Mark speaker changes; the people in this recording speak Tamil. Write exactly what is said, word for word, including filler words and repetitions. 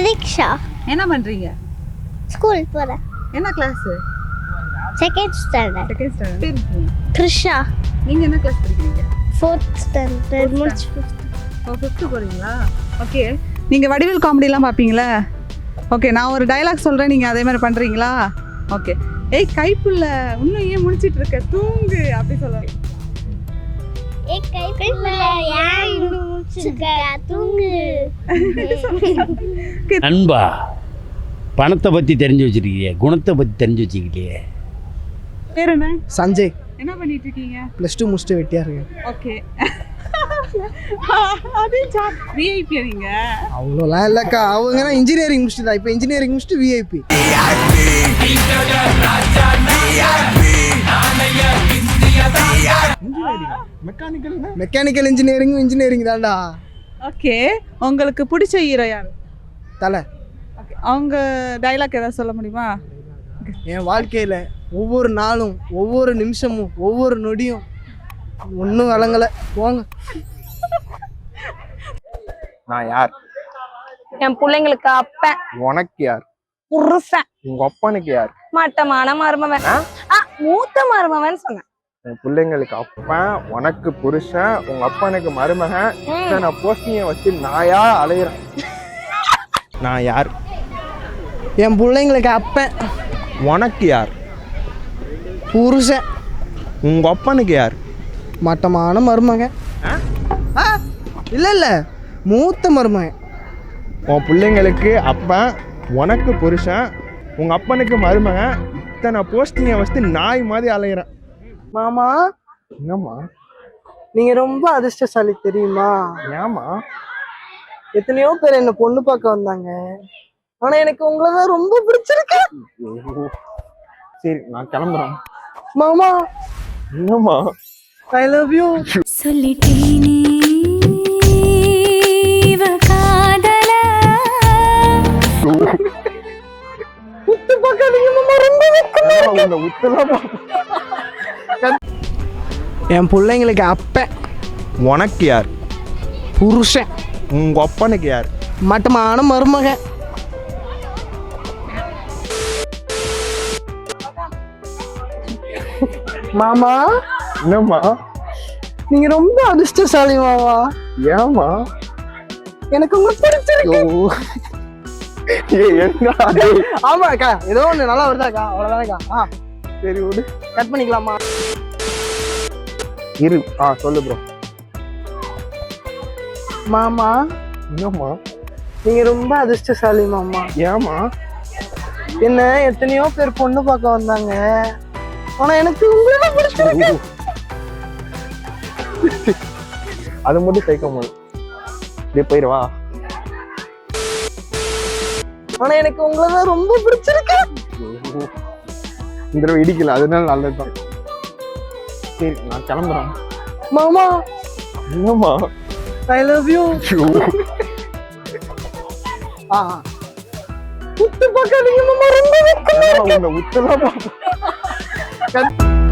Speaker 1: பிரதீக்ஷா.
Speaker 2: என்ன பண்றீங்க?
Speaker 1: ஸ்கூல் போறேன்.
Speaker 2: என்ன class?
Speaker 1: Second standard.
Speaker 2: Second standard. பேர் இருக்கீங்க?
Speaker 1: த்ரிஷா.
Speaker 2: நீங்க என்ன கிளாஸ் படிக்கிறீங்க?
Speaker 1: ஃபோர்த் ஸ்டாண்டர்ட் முடிச்சு ஃபிஃப்த்.
Speaker 2: ஓ ஃபிஃப்த் போறீங்களா? ஓகே. நீங்க வடிவேல் காமெடிலாம் பாப்பீங்களா? ஓகே, நான் ஒரு டயலாக் சொல்றேன், நீங்க அதே மாதிரி பண்றீங்களா? ஓகே. ஏய் கைப்புள்ள, இன்னும் ஏன் முடிச்சிட்டு இருக்க? தூங்கு அப்படி சொல்லுங்க.
Speaker 1: ஏய் கைப்புள்ள, ஏன் இன்னும் முடிச்சிருக்க? தூங்கு.
Speaker 3: அன்பா, பணத்தை பற்றி தெரிஞ்சு வச்சிருக்கியே, குணத்தை பற்றி தெரிஞ்சு வச்சுக்கிட்டே.
Speaker 2: பேர் என்ன?
Speaker 4: சஞ்சய்.
Speaker 2: என்ன பண்ணிட்டு இருக்கீங்க?
Speaker 4: ப்ளஸ் டூ முடிச்சுட்டு வெட்டியா இருக்கேன்.
Speaker 2: ஓகே. அது விஐபி நீங்க?
Speaker 4: அவ்வளோலாம் இல்லைக்கா, அவங்க இன்ஜினியரிங் முடிச்சுட்டு தான். இப்போ இன்ஜினியரிங் முடிச்சுட்டு விஐபி. மெக்கானிக்கல் இன்ஜினியரிங் இன்ஜினியரிங் தான்டா.
Speaker 2: ஓகே. உங்களுக்கு பிடிச்ச ஹீரோ யார்?
Speaker 4: தலை.
Speaker 2: ஓகே, அவங்க டைலாக் ஏதாவது சொல்ல முடியுமா?
Speaker 4: என் வாழ்க்கையில் ஒவ்வொரு நாளும் ஒவ்வொரு நிமிஷமும் ஒவ்வொரு நொடியும் ஒன்றும் விளங்கலை போங்க.
Speaker 5: நான் யார்?
Speaker 6: என் பிள்ளைங்களுக்கு அப்பன்.
Speaker 5: உனக்கு யார்?
Speaker 6: புருஷன்.
Speaker 5: உங்க அப்பனுக்கு யார்?
Speaker 6: மட்டமான மருமவன். ஆ, மூத்த மருமவன் சொன்னேன்.
Speaker 5: உன் பிள்ளைங்களுக்கு அப்பன், உனக்கு புருஷன், உங்க அப்பனுக்கு மருமகன். நான் போஸ்டிங்க வச்சு நாயா அலையிறேன். நான் யார்?
Speaker 4: என் பிள்ளைங்களுக்கு அப்பன்.
Speaker 5: உனக்கு யார்?
Speaker 4: புருஷன்.
Speaker 5: உங்க அப்பனுக்கு யார்?
Speaker 4: மட்டமான மருமகன். இல்லை இல்லை, மூத்த மருமகன்.
Speaker 5: உன் பிள்ளைங்களுக்கு அப்பன், உனக்கு புருஷன், உங்க அப்பனுக்கு மருமகன். இத்தனை போஸ்டிங்க வச்சு நாய் மாதிரி அலையிறேன்.
Speaker 4: மாமா,
Speaker 5: என்னம்மா?
Speaker 4: நீங்க ரொம்ப அதிர்ஷ்டசாலி தெரியுமா?
Speaker 5: ஏமா?
Speaker 4: எத்தனையோ பேர் என்ன பொண்ணு பார்க்க வந்தாங்க, ஆனா எனக்கு உங்களை தான் ரொம்ப பிடிச்சிருக்கு.
Speaker 5: சரி, நான் கிளம்புறேன்.
Speaker 4: மாமா.
Speaker 5: என்னம்மா?
Speaker 4: I love you.
Speaker 7: சொல்லிட்டேனே காதல.
Speaker 4: உத்து பார்க்காதீங்க மாமா, ரொம்ப வெக்கமா. என் பிள்ளைங்களுக்கு அப்பன்.
Speaker 5: உனக்கு யார்?
Speaker 4: புருஷன்.
Speaker 5: உங்க அப்பனுக்கு யார்?
Speaker 4: மட்டமான மருமகன். மாமா.
Speaker 5: என்னம்மா?
Speaker 4: நீங்க ரொம்ப அதிர்ஷ்டசாலி மாமா.
Speaker 5: ஏமா?
Speaker 4: எனக்கு உங்களுக்கு பிடிச்சிருக்கு. ஆமாக்கா, ஏதோ ஒண்ணு நல்லா வருதாக்கா, அவ்வளவுதானக்கா. ஆ
Speaker 5: சரி விடு,
Speaker 4: கட் பண்ணிக்கலாமா?
Speaker 5: இரு. ஆ சொல்லு ப்ரோ.
Speaker 4: மாமா.
Speaker 5: என்னம்மா?
Speaker 4: நீங்க ரொம்ப அதிர்ஷ்டசாலி மாமா.
Speaker 5: ஏமா?
Speaker 4: என்ன எத்தனையோ பேர் பொண்ணு பார்க்க வந்தாங்க, ஆனா எனக்கு உங்களை பிடிச்சிருக்கு.
Speaker 5: அது மட்டும் சேர்க்க முடியும். இப்படியே போயிடுவா.
Speaker 4: ஆனா எனக்கு உங்களை தான் ரொம்ப பிடிச்சிருக்கு.
Speaker 5: இந்த தடவை இடிக்கல, அதனால நல்லதுதான். சரி, நான் கிளம்புறேன்.
Speaker 4: மாமா.
Speaker 5: என்னம்மா?
Speaker 4: I love you. ஆ உத்து பார்க்காதீங்க மாமா, ரொம்ப வெக்கமா.
Speaker 5: உத்தரவா